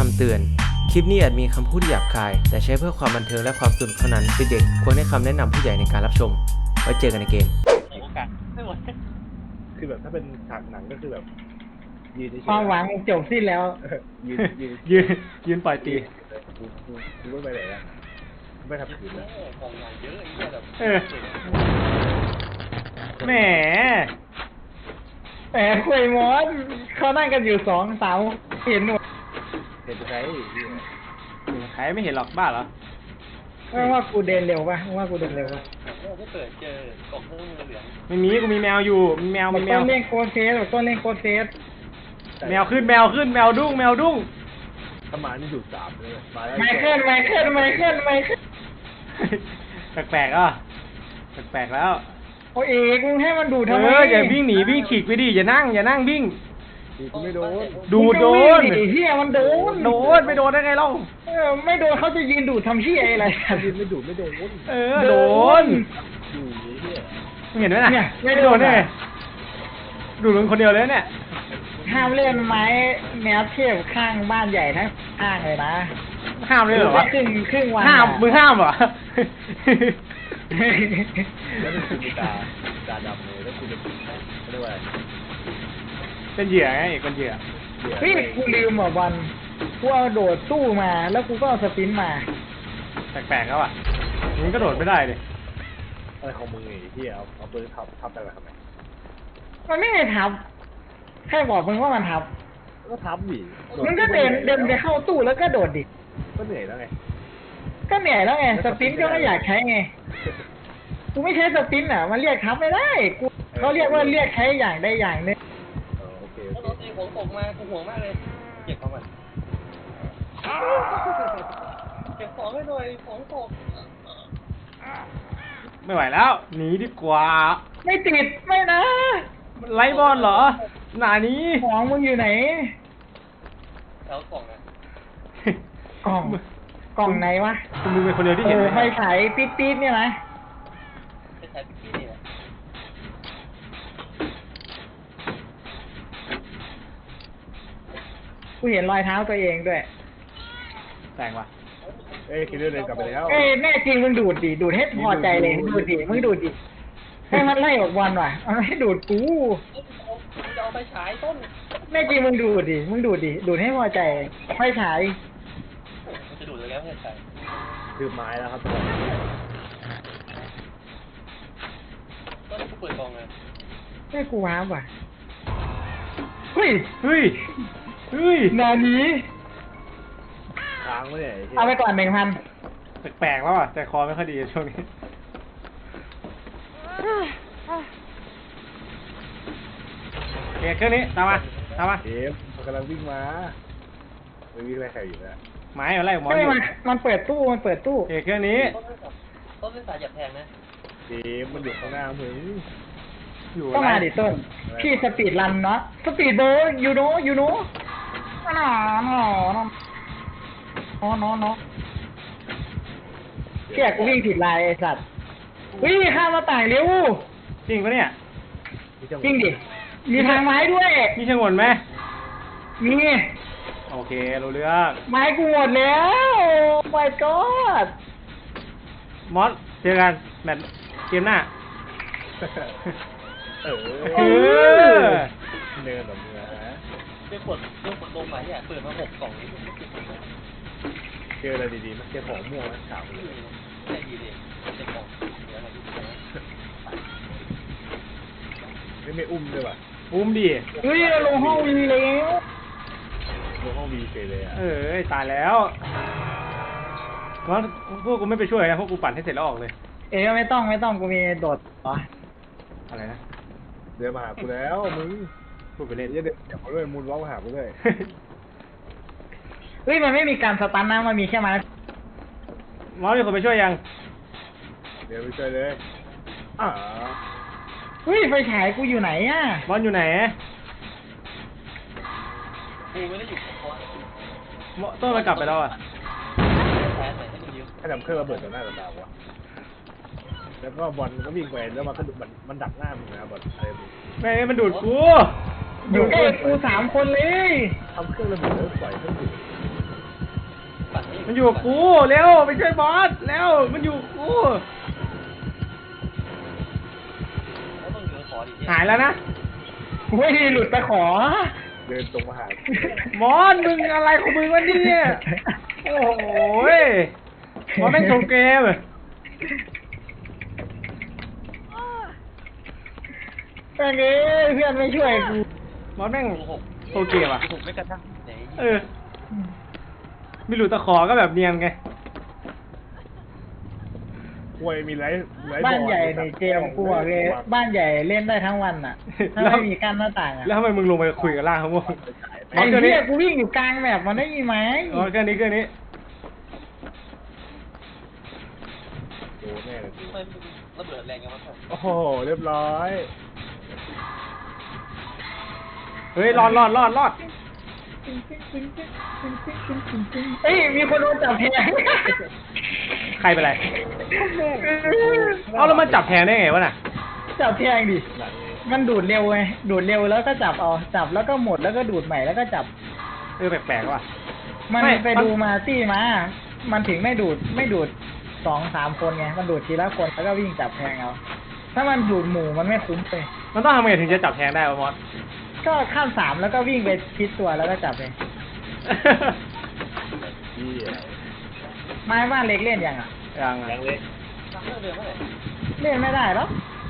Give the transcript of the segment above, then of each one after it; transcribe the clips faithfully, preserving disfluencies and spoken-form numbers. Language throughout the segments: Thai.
ำเตือนคลิปนี้อาจมีคำพูดหยาบคายแต่ใช้เพื่อความบันเทิงและความสนุกเท่านั้นเด็กๆควรให้คำแนะนำผู้ใหญ่ในการรับชมไว้เจอกันในเกมคือแบบถ้าเป็นฉากหนังก็คือแบบยืนเฉยๆความหวังจบสิ้นแล้วยืนยืนยืนยืนปล่อยตีกูกูกูไม่ไปไหนแล้วไม่ทำผิดแล้วเออแหมแหมคุยมอสเขานั่งกันอยู่สองสาวเห็นหมดเห็นใครใครไม่เห็นหรอกบ้าเหรอไม่ว่ากูเดินเร็วป่ะไม่ว่ากูเดินเร็วป่ะถ้าเปิดเจอกล่องเครื่องมือเหลืองไม่มีกูมีแมวอยู่มีแมวมีแมต้วนเล่นโคเซสต้นเล่นโคเซสแมวขึ้นแมวขึ้นแมวดุ้งแมวดุ้งถ้ามานี่อยู่สามเลยมาแล้วไมเคิลไมเคิลไมเคิลไมเคิลแปลกๆอ่ะแปลกๆแล้วโอ้เอกมึงให้มันดูดทำไมเอออย่าวิ่งหนีวิ่งฉีกไปดิอย่านั่งอย่านั่งวิ่งกูไม่โดนดูโดนมึงก็วิ่งดิเฮียมันโดนโดนไม่โดนได้ไงเล่าเออไม่โดนเขาจะยืนดูดทำเฮียอะไรยืนไม่ดูไม่โดนเออโดนอยู่นี่เนี่ยเห็นไหมน่ะเนี่ยไม่ไม่โดโดนนได้อะไงดูดมึงคนเดียวเลยเนี่ยห้ามเล่นไม้แนวเทียบข้างบ้านใหญ่ทั้งข้างเลยนะห้ามเลยเหรอวะครึ่งครึ่งวันห้ามมึงห้ามเหรอแล้วมันคือมีตาตาดำเลยแล้วกูจะเป็นเขาเรียกว่าเป็นเหยื่อไงเป็นเหยื่อเฮ้ยกูลืมอ่ะวันกูเอาโดดตู้มาแล้วกูก็เอาสปินมาแปลกๆแล้วอ่ะมึงก็โดดไม่ได้เลยอะไรของมึงไอ้ที่เอาเอาปืนทับทับได้ทำไมมันไม่ได้ทับแค่บอกมึงว่ามันทับก็ทับดิมึงก็เดินเดินไปเข้าตู้แล้วก็โดดดิก็เหนื่อยแล้วไงก็เหนื่อยแล้วไงสปินก็ไม่อยากใช้ไงกูไม่ใช้สปินอ่ะมันเรียกทับไม่ได้กูเขาเรียกว่าเรียกใช้อย่างใดอย่างหนึงโอเคถ้าโดนตีของตกมากูห่วงมากเลยเก็บของมันเก็บของให้หน่อยของตกไม่ไหวแล้วหนีดีกว่าไม่ติดไม่นะไล่บอลเหรอหนานี้ของมึงอยู่ไหนแล้วกล่องนะกล่องกล่องไหนวะมึงเป็นคนเดียวที่โอ้เห็นไฟฉายปี๊ดปี๊ดเนี่ยนะจะใช้พี่นี่แหละกูเห็นรอยเท้าตัวเองด้วยแต่งว่ะเอ้ยคิดเรื่องเดินกลับไปแล้วเอ้ยแน่จริงมึงดูดดิดูดให้พอใจเลยดูดดิมึงดูดดิให้มันไล่ออกวันว่ะมันไม่ดูดกูจะเอาไปฉายต้นแน่จริงมึงดูดดิมึงดูดดิดูดให้พอใจไฟฉายมันจะดูดแล้วเพื่อนใส่คือไม้แล้วครับต้นกูเปิดกล่องเลยไม่กูว้าวว่ะเฮ้ยเฮ้ยเฮ้ยนานี้ค้างไว้เนี่ยเอาไปก่อนหนึ่งพันแปลกๆแล้วอ่ะใจคอไม่ค่อยดีช่วงนี้โอเคเครื่องนี้ตามมาตามมาเอฟมันกำลังวิ่งมาไม่วิ่งไล่ใครอยู่แล้วไม้อะไรหมอไม่อยู่มันมันเปิดตู้มันเปิดตู้โอเคเครื่องนี้ต้นไม่สับต้นไม่สายหยับแทงนะเอฟมันอยู่ข้างหน้ามึงอยู่ก็อะไรมาดิต้นพี่สปีดรันเนาะสปีดเบอร์ยูโนยูโนหนอหนอหนอหนอหนอเชี่ยกูวิ่งผิดลายไอ้สัตว์วิ่งข้ามมาต่างเร็วจริงปะเนี่ยจริงดิมีทางไม้ด้วยนี่ชงนไหมมีโอเครู้เรื่องไม้กูหมดแล้ว my god มอสเจอกันแมตช์เกมหน้าเออเออเนินแบบนี้นะเรื่องกดเรื่องกดลงไปเนี่ยเปิดมาหกกล่องนี้ไม่ติดเลยเจออะไรดีๆมันเจอของม่วงขาวเลยใช่ดีเลยเจ็บกล่องเดี๋ยวอะไรดีนะไม่ไม่อุ้มด้วยว่ะอุ้มดิเฮ้ยเราลงห้องวีแล้วลงห้องวีเฉยเลยอ่ะเออตายแล้วมอสพวกกูไม่ไปช่วยนะพวกกูปั่นให้เสร็จแล้วออกเลยเอ๋ไม่ต้องไม่ต้องกูมีโดดอ๋ออะไรนะเดินมาหากูแล้วมึงพูดไปเล่นเดี๋ยวเดี๋ยวมาด้วยมูนวอล์กมาหากูด้วยเฮ้ยมันไม่มีการสตันนะมันมีแค่ไม้มอสมีคนไปช่วยยังเดี๋ยวไปช่วยเลยอ่าเฮ้ยไฟฉายกูอยู่ไหนอ่ะมอสอยู่ไหนกูไม่ได้อยู่กับเขามอสต้นมันกลับไปแล้วอ่ะแพ้ใส่ให้มึงยืมให้ทำเครื่องระเบิดต่อหน้าต่อตาวะแล้วก็บอลมันก็วิ่งไปแล้วมันก็มันมันดักหน้ามึงนะบอลอะไรมึงแม่งมันดูดกูอยู่ใกล้กูสามคนเลยทำเครื่องระเบิดแล้วปล่อยเครื่องดูดมันอยู่กับกูเร็วไปช่วยบอสเร็วมันอยู่กับกูแล้วต้องอยู่ในขอดิหายแล้วนะกูไม่ได้หลุดไปขอเดินตรงมาหามอนมึงอะไรของมึงวะเนี่ยโอ้โหยมอนแม่งโชว์เกมแม่งเอ้ยเพื่อนไม่ช่วยกูมอนแม่งหกโชว์เกมอ่ะหกไม่กระทั่งไหนเออมีหลุดตะขอก็แบบเนียนไงป่วยมีไรไรบ้านใหญ่ในเกมกูบอกเลยบ้านใหญ่เล่นได้ทั้งวันอ่ะ ถ้าไม่มีกั้นหน้าต่างอ่ะแล้วทำไมมึงลงไปคุยกับล่างเขาบ้างไอ้เหี้ยกูวิ่งอยู่กลางแบบมันได้ยินไหมอ๋อแค่นี้แค่นี้โดนแน่เลยกูทำไมมึงระเบิดแรงยังวะโอ้โหเรียบร้อยเฮ้ยรอดรอดรอดรอดเอ้ยมีคนโดนจับแทงใครเป็นไรเอาแล้วมันจับแทนได้ไงวะน่ะจับแทงดิมันดูดเร็วไงดูดเร็วแล้วก็จับเอาจับแล้วก็หมดแล้วก็ดูดใหม่แล้วก็จับเออแปลกๆว่ะมันไม่ไปมันดูมาตี้มา มันถึงไม่ดูดไม่ดูดสองสามคนไง มันดูดทีละคนแล้วก็วิ่งจับแทงเอา ถ้ามันดูดหมู่มันไม่คุ้มเลยมันต้องทำไงถึงจะจับแทนได้วะมอสก็ข้ามสามแล้วก็วิ่งไปชิดตัวแล้วก็จับเลยเหี้ยไม้บ้านเล็กเล่นยังอ่ะยังอ่ะยังเล็กทำเรื่องเดิมเมื่อไหร่เล่นไม่ได้หรอก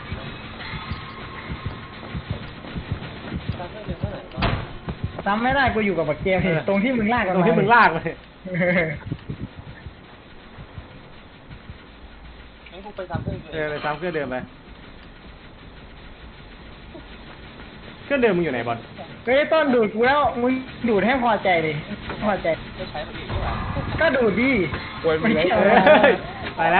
ทำเรื่องเดิมเมื่อไหร่จำไม่ได้กูอยู่กับบักเกมตรงที่มึงลากกันตรงที่มึงลากมาเนี่ยงั้นกูไปทำเรื่องเดิเออมไปซ้ำเครื่องเดิมไปเครื่องเดิมมึงอยู่ไหนบอลเฮ้ยต้นดูดกูแล้วมึงดูดให้พอใจดิพอใจจะใช้มันอีกเท่าไหร่ก็ดูดดิป่วยมีไรเอเฮ้ยไปแล้ว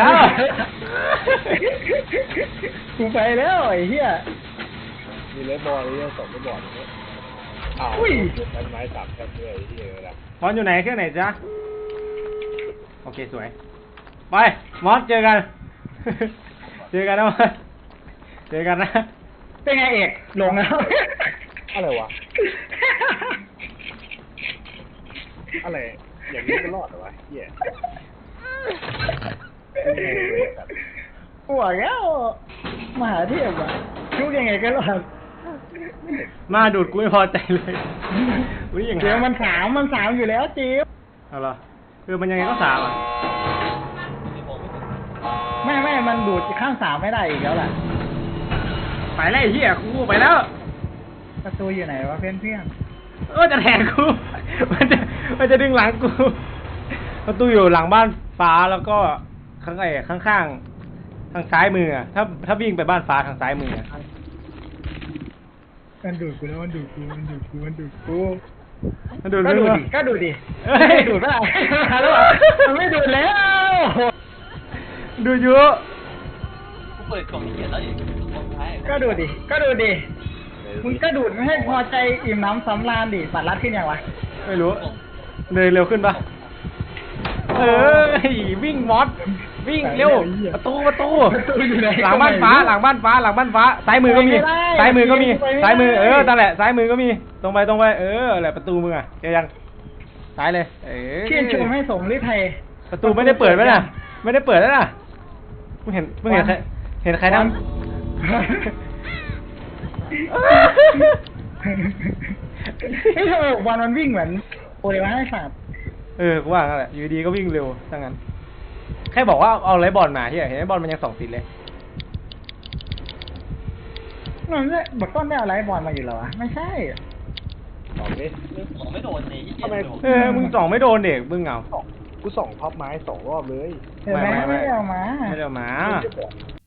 กูไปแล้วไอ้เหี้ยมีไรบอลเลยสองไม่บอลเลยอ้าวอุ้ยต้นไม้สามแค่เลยที่เออละมอสอยู่ไหนเครื่องไหนจ๊ะโอเคสวยไปมอสเจอกัน เจอกันนะมอสเจอกันนะเป็นไงเอกลงแล้วอะไรวะอะไรอย่างนี้ก็รอดเหรอวะเหี้ยปวดแล้วมหาเทพอ่ะชุกยังไงก็รอดมาดูดกูไม่พอใจเลยอุ้ยอย่างเดี๋ยวไงมันสามมันสามอยู่แล้วจิ๊บเอาเหรอคือมันยังไงก็สามอ่ะไม่ไม่มันดูดข้างสามไม่ได้อีกแล้วล่ะไปแล้วไอ้เหี้ยกูไปแล้วประตูอยู่ไหนวะเพื่อนเพื่อนเออจะแทงกู มันจะมันจะดึงหลังกูประตูอยู่หลังบ้านฟ้าแล้วก็ข้างไอ้ข้างข้างๆทางซ้ายมืออะถ้าถ้าวิ่งไปบ้านฟ้าทางซ้ายมืออะมันดูดกูแล้วมันดูดกูมันดูดกูมันดูดกูมันดูดก็ดูดมึงดิก็ดูดดิเอ้ยดูดไม่ได้แล้วมันไม่ดูดแล้วดูเยอะกูเปิดกล่องนี้เขียนแล้วดิกล่องท้ายก็ดูดดิก็ดูดดิมึงก็ดูดไม่ให้พอใจอิ่มน้ำสำราญดิปัดรัดขึ้นยังวะไม่รู้เลยเร็วขึ้นปะเออวิ่งมอสวิ่งเร็วประตูประตูประตูอยู่ไหนหลังบ้านฟ้าหลังบ้านฟ้าหลังบ้านฟ้าซ้ายมือก็มีซ้ายมือก็มีซ้ายมือเออนั่นแหละซ้ายมือก็มีตรงไปตรงไปเออแหละประตูมึงอ่ะเจอยังซ้ายเลยเออชื่นชมให้สมฤทัยประตูไม่ได้เปิดไหมน่ะไม่ได้เปิดแล้วน่ะมึงเห็นมึงเห็นใครเห็นใครนั่งเฮ้ยทำไมวันมันวิ่งเหมือนโอเลวะให้สัตว์เออกูว่างั้นแหละอยู่ดีก็วิ่งเร็วทั้งนั้นแค่บอกว่าเอาไรบอลมาที่เห็นไอ้บอลมันยังสองติดเลยมันไม่บอกต้นไม่เอาไลฟ์บอลมาอยู่เหรอวะไม่ใช่สองดิของไม่โดนเลยยี่สิบทำไมเออมึงส่องไม่โดนเด็กมึงเหงากูส่องพับไม้สองรอบเลยเห็นไหมไม่ไม่ไม่ไม่ได้เอามาไม่ได้เอามาไม่ได้บอก